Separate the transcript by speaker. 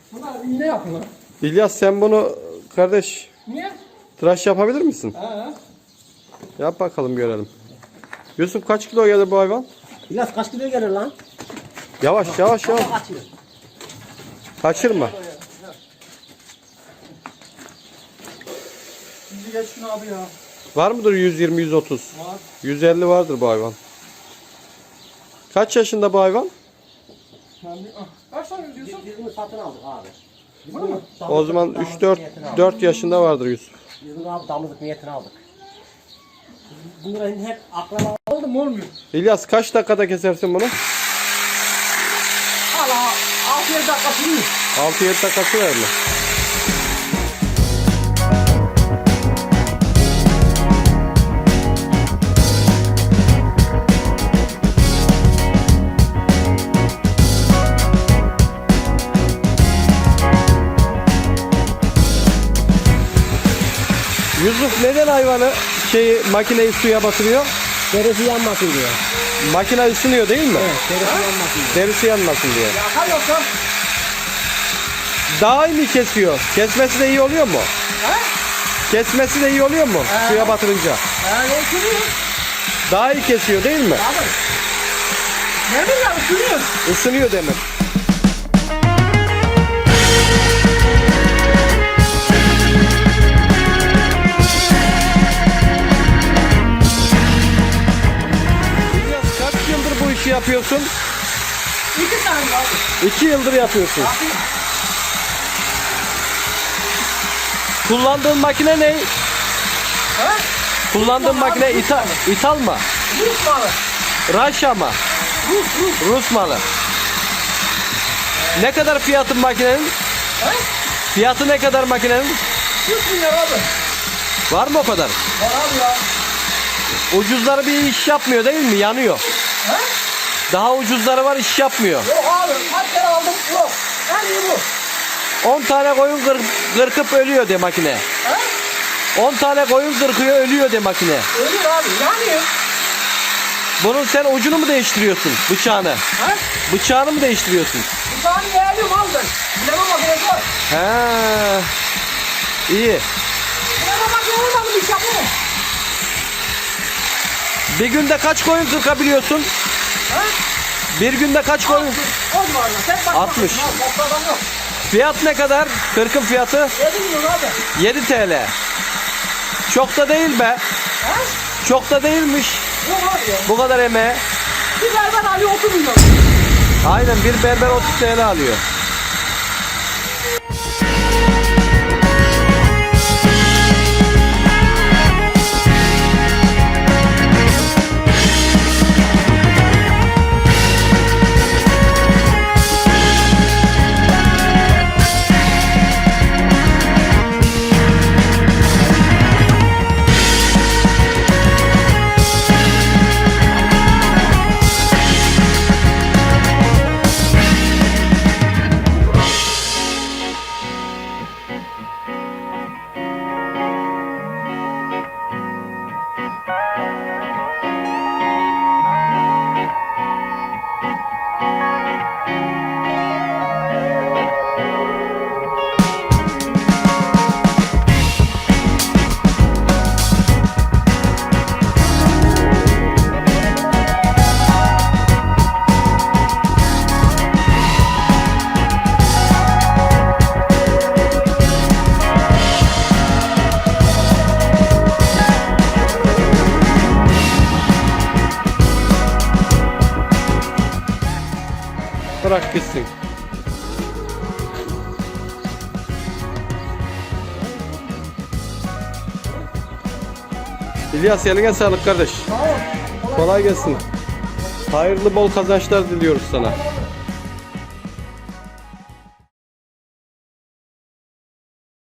Speaker 1: Bunlar iğne yapın.
Speaker 2: İlyas sen bunu kardeş
Speaker 1: Niye?
Speaker 2: tıraş yapabilir misin?
Speaker 1: He.
Speaker 2: Yap bakalım görelim. Yusuf kaç kilo gelir bu hayvan?
Speaker 3: İlyas kaç kilo gelir lan?
Speaker 2: Yavaş yavaş yavaş.
Speaker 3: Kaçıyor.
Speaker 2: Kaçırma.
Speaker 1: Bizi geç şunu abi ya.
Speaker 2: Var mıdır 120-130?
Speaker 1: Var.
Speaker 2: 150 vardır bu hayvan. Kaç yaşında bu hayvan?
Speaker 1: Kaç tane diyorsun?
Speaker 3: Biz bunu satın aldık abi.
Speaker 1: Bunu mu?
Speaker 2: O zaman 3-4 yaşında vardır Yusuf.
Speaker 3: Biz bunu abi damızlık niyetine aldık. Bunların hep akraba.
Speaker 1: Oldu mu olmuyor?
Speaker 2: İlyas kaç dakikada kesersin bunu?
Speaker 1: Hala 6-7 dakika sürüyor.
Speaker 2: 6-7 dakikası var mı? Yusuf neden hayvanı makineyi suya batırıyor?
Speaker 3: Derisi yanmasın diyor.
Speaker 2: Makine ısınıyor değil mi?
Speaker 3: Evet, derisi yanmasın diyor.
Speaker 2: Derisi yanmasın diye.
Speaker 1: Yakar yoksa.
Speaker 2: Daha iyi mi kesiyor? Kesmesi de iyi oluyor mu?
Speaker 1: He?
Speaker 2: Kesmesi de iyi oluyor mu? Suya batırınca.
Speaker 1: Ne sürüyor?
Speaker 2: Daha iyi kesiyor değil mi?
Speaker 1: Abi. Ne bileyim sürüyor.
Speaker 2: Isınıyor demek. İlyas kaç yıldır bu işi yapıyorsun?
Speaker 1: 2 tane abi.
Speaker 2: 2 yıldır yapıyorsun.
Speaker 1: Abi.
Speaker 2: Kullandığın makine ne?
Speaker 1: He?
Speaker 2: Kullandığın makine İthal mı?
Speaker 1: Rus malı.
Speaker 2: Raşa mı? Rus malı. Ne kadar fiyatın makinenin?
Speaker 1: He?
Speaker 2: Fiyatı ne kadar makinenin?
Speaker 1: 100 milyar abi.
Speaker 2: Var mı o kadar?
Speaker 1: Var abi ya.
Speaker 2: Ucuzları bir iş yapmıyor değil mi? Yanıyor.
Speaker 1: He?
Speaker 2: Daha ucuzları var iş yapmıyor.
Speaker 1: Yok abi. Kaç kere aldım? Yok. En iyi bu.
Speaker 2: 10 tane koyun kırkıp ölüyor de makine.
Speaker 1: He?
Speaker 2: 10 tane koyun kırkıyor ölüyor de makine.
Speaker 1: Ölür abi. Yani.
Speaker 2: Bunun sen ucunu mu değiştiriyorsun? Bıçağını.
Speaker 1: He?
Speaker 2: Bıçağını mı değiştiriyorsun?
Speaker 1: Bir tane yeğenim aldım. Bileme makinesi var.
Speaker 2: He. İyi.
Speaker 1: Bileme makinesi olmadı bir şey yapamam.
Speaker 2: Bir günde kaç koyun kırkabiliyorsun?
Speaker 1: He?
Speaker 2: Bir günde kaç koyun?
Speaker 1: O civarında. Sen bak.
Speaker 2: 60.
Speaker 1: Toplam yok.
Speaker 2: Fiyat ne kadar? Kırkın fiyatı
Speaker 1: 7 milyon abi.
Speaker 2: 7 TL. Çok da değil be.
Speaker 1: He?
Speaker 2: Çok da değilmiş.
Speaker 1: Yok abi ya.
Speaker 2: Bu kadar emeğe.
Speaker 1: Bir berber alıyor 30 milyon.
Speaker 2: Aynen bir berber 30 TL alıyor. Bırak gitsin. İlyas eline sağlık kardeş.
Speaker 1: Sağ ol.
Speaker 2: Kolay gelsin. Hayırlı bol kazançlar diliyoruz sana.